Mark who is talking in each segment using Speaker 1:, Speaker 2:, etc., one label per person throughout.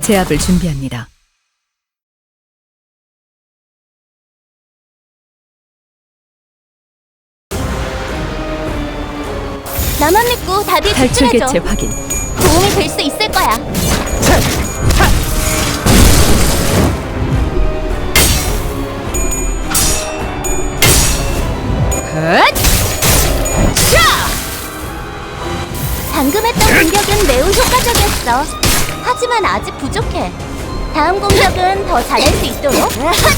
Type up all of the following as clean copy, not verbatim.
Speaker 1: 제압을 준비합니다.
Speaker 2: 나만 믿고 다들
Speaker 1: 탈출
Speaker 2: 집중해줘.
Speaker 1: 개체 확인.
Speaker 2: 도움이 될 수 있을 거야. 방금 했던 공격은 매우 효과적이었어. 하지만 아직 부족해. 다음 공격은 더 잘할 수 있도록.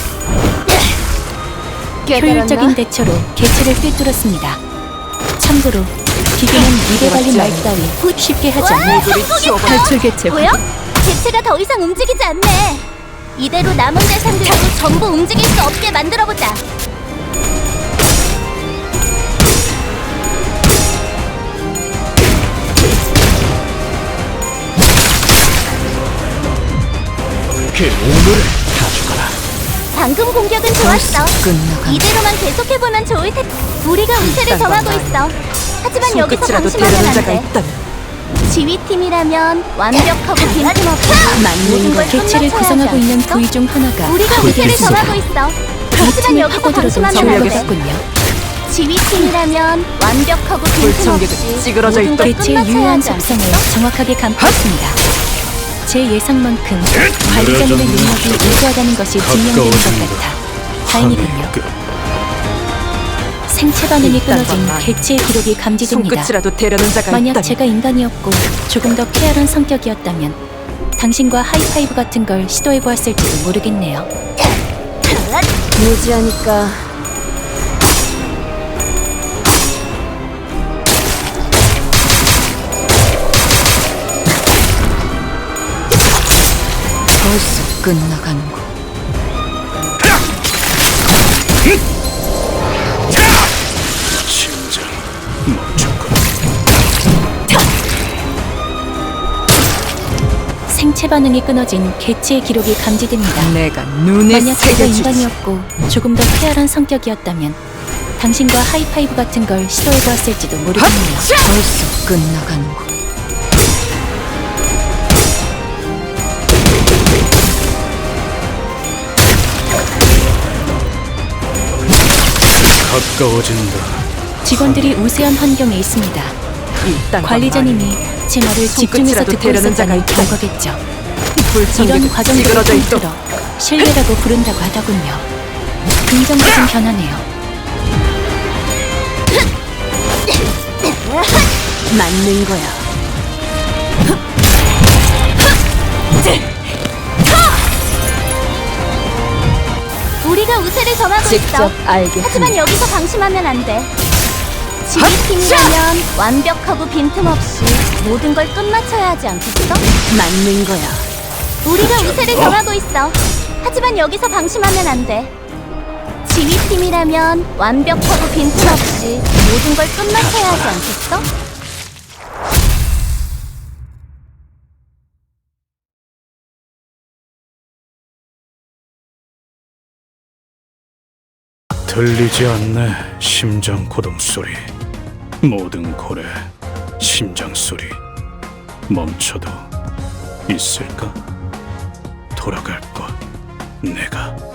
Speaker 1: 효율적인 대처로 개체를 꿰뚫었습니다. 참고로 기계는 입에 발린 말 따위 쉽게 하지 않아요. 탈출 개체
Speaker 2: 보여?
Speaker 1: 확인.
Speaker 2: 개체가 더 이상 움직이지 않네. 이대로 남은 대상들도 전부 움직일 수 없게 만들어보자.
Speaker 3: 그 오물을 다 죽어라.
Speaker 2: 방금 공격은 좋았어.
Speaker 1: 끝나간
Speaker 2: 이대로만 계속해보면 좋을 텐데. 우리가 우세를 점하고 있어. 하지만 여기서 방심하면 안 돼. 지휘팀이라면 완벽하고 빈틈없이 모든 걸
Speaker 1: 개체를
Speaker 2: 끝마쳐야
Speaker 1: 구성하고
Speaker 2: 하지
Speaker 1: 있는
Speaker 2: 않겠어?
Speaker 1: 부위 중 하나가
Speaker 2: 우리가 우세를 점하고 있어. 하지만
Speaker 1: 틈을
Speaker 2: 여기서
Speaker 1: 파고들어도
Speaker 2: 방심하면 안 돼.
Speaker 1: 정력이었군요.
Speaker 2: 지휘팀이라면 완벽하고 빈틈없이
Speaker 3: 찌그러져
Speaker 2: 모든 걸
Speaker 1: 개체의
Speaker 2: 끝마쳐야
Speaker 1: 유효한
Speaker 2: 하지
Speaker 1: 습성을
Speaker 2: 않겠어?
Speaker 1: 정확하게 감포했습니다. 제 예상만큼 관리자님의 능력이 우수하다는 것이 증명되는 것 같아 다행이군요. 생체 반응이 끊어진 개체의 기록이 감지됩니다.
Speaker 3: 손끝이라도 대려는 자가
Speaker 1: 만약
Speaker 3: 있다면
Speaker 1: 제가 인간이었고 조금 더 쾌활한 성격이었다면 당신과 하이파이브 같은 걸 시도해보았을지도 모르겠네요.
Speaker 2: 무지하니까
Speaker 1: 벌써 끝나가는군.
Speaker 3: 심장 멈췄군.
Speaker 1: 생체 반응이 끊어진 개체의 기록이 감지됩니다.
Speaker 3: 내가 눈에
Speaker 1: 만약 제가
Speaker 3: 새겨주지.
Speaker 1: 인간이었고 조금 더 쾌활한 성격이었다면 당신과 하이파이브 같은 걸 시도해보았을지도 모르겠네요. 벌써 끝나가는군.
Speaker 3: 가까워진다.
Speaker 1: 직원들이 우세한 환경에 있습니다.
Speaker 3: 일단
Speaker 1: 관리자님이 제 말을 집중해서
Speaker 3: 손끝이라도
Speaker 1: 듣고
Speaker 3: 대려는 자가
Speaker 1: 있었다는
Speaker 3: 있다.
Speaker 1: 결과겠죠. 이런
Speaker 3: 불청객은
Speaker 1: 과정들을
Speaker 3: 찌그러져 있도록.
Speaker 1: 통틀어 신뢰라고 부른다고 하더군요. 긍정적인 변화네요.
Speaker 3: 맞는 거야.
Speaker 2: 우리가 우세를 점하고 있어.
Speaker 3: 직접 알게
Speaker 2: 하지만 여기서 방심하면 안 돼. 지휘팀이라면 완벽하고 빈틈없이 모든 걸 끝마쳐야 하지 않겠어?
Speaker 3: 맞는 거야.
Speaker 2: 우리가 우세를 점하고 있어. 하지만 여기서 방심하면 안 돼. 지휘팀이라면 완벽하고 빈틈없이 모든 걸 끝마쳐야 하지 않겠어?
Speaker 4: 들리지 않네. 심장 고동 소리. 모든 고래 심장 소리 멈춰도 있을까? 돌아갈 것 내가